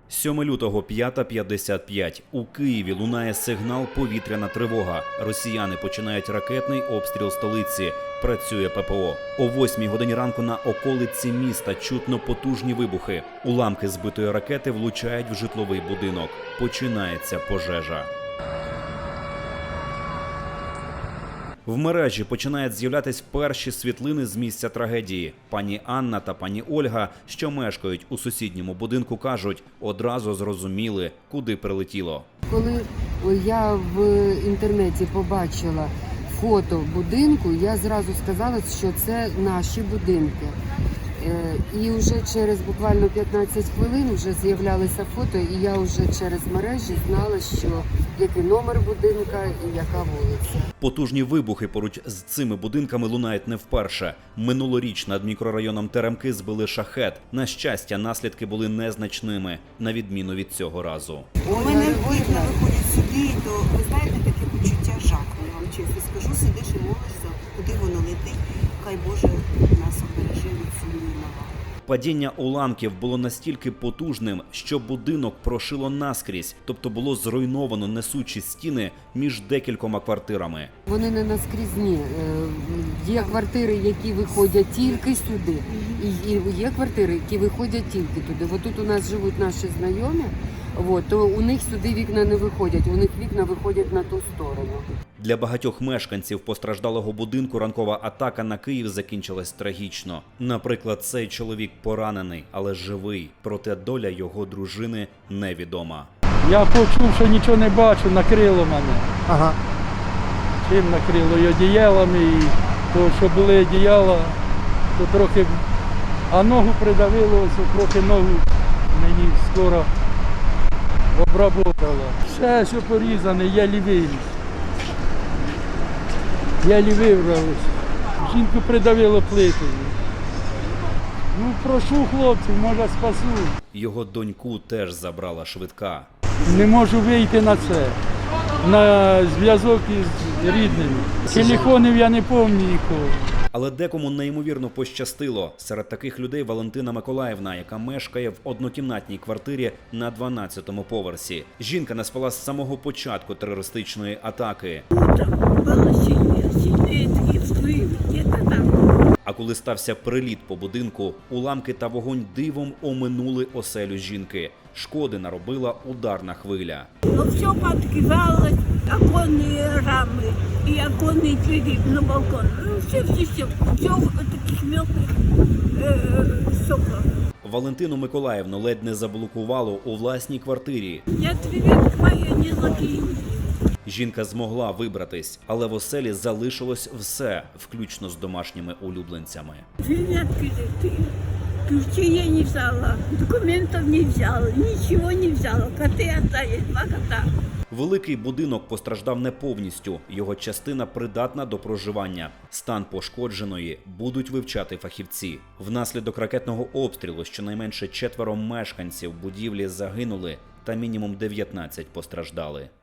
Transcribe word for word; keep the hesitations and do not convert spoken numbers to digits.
сьоме лютого, п'ята п'ятдесят п'ять. У Києві лунає сигнал «Повітряна тривога». Росіяни починають ракетний обстріл столиці. Працює ППО. О восьмій годині ранку на околиці міста чутно потужні вибухи. Уламки збитої ракети влучають в житловий будинок. Починається пожежа. В мережі починають з'являтись перші світлини з місця трагедії. Пані Анна та пані Ольга, що мешкають у сусідньому будинку, кажуть, одразу зрозуміли, куди прилетіло. Коли я в інтернеті побачила фото будинку, я зразу сказала, що це наші будинки. І вже через буквально п'ятнадцять хвилин вже з'являлися фото, і я вже через мережі знала, що який номер будинка і яка вулиця. Потужні вибухи поруч з цими будинками лунають не вперше. Минулоріч над мікрорайоном Теремки збили шахет. На щастя, наслідки були незначними, на відміну від цього разу. У мене вікна виходять сюди, то ви знаєте, таке почуття жаху, я вам чесно скажу, сидиш і молишся, куди воно летить, хай Боже нас обережи від цієї навали. Падіння уламків було настільки потужним, що будинок прошило наскрізь, тобто було зруйновано несучі стіни між декількома квартирами. Вони не наскрізні. Є квартири, які виходять тільки сюди, і є квартири, які виходять тільки туди. Ось тут у нас живуть наші знайомі, от, то у них сюди вікна не виходять, у них вікна виходять на ту сторону. Для багатьох мешканців постраждалого будинку ранкова атака на Київ закінчилась трагічно. Наприклад, цей чоловік поранений, але живий, проте доля його дружини невідома. Я почув, що нічого не бачу, накрило мене. Ага. Чим накрило? І одіялами, і то, що були одіяла, то трохи, а ногу придавило, ось трохи ногу мені скоро обработало. Все, що порізане, я лівий. Я лівий врався. Жінку придавило плитою. Ну, прошу хлопців, може спасу. Його доньку теж забрала швидка. Не можу вийти на це, на зв'язок із рідними. Телефонів я не пам'ятаю нікого. Але декому неймовірно пощастило. Серед таких людей Валентина Миколаївна, яка мешкає в однокімнатній квартирі на дванадцятому поверсі. Жінка не спала з самого початку терористичної атаки. А коли стався приліт по будинку, уламки та вогонь дивом оминули оселю жінки. Шкоди наробила ударна хвиля. Ну, все подкидалось, оконные рамы и оконные двери на балкон. Ну, все, все, все, все в таких мелких э, стеклах. Валентину Миколаївну ледь не заблокувало у власній квартирі. Я дверь моя не закину. Жінка змогла вибратись, але в оселі залишилось все, включно з домашніми улюбленцями. Дверь открыты. Ключи я не взяла, документов не взяла, ничего не взяла. Коты остались, два кота. Великий будинок постраждав не повністю, його частина придатна до проживання. Стан пошкодженої будуть вивчати фахівці. Внаслідок ракетного обстрілу щонайменше четверо мешканців будівлі загинули та мінімум дев'ятнадцять постраждали.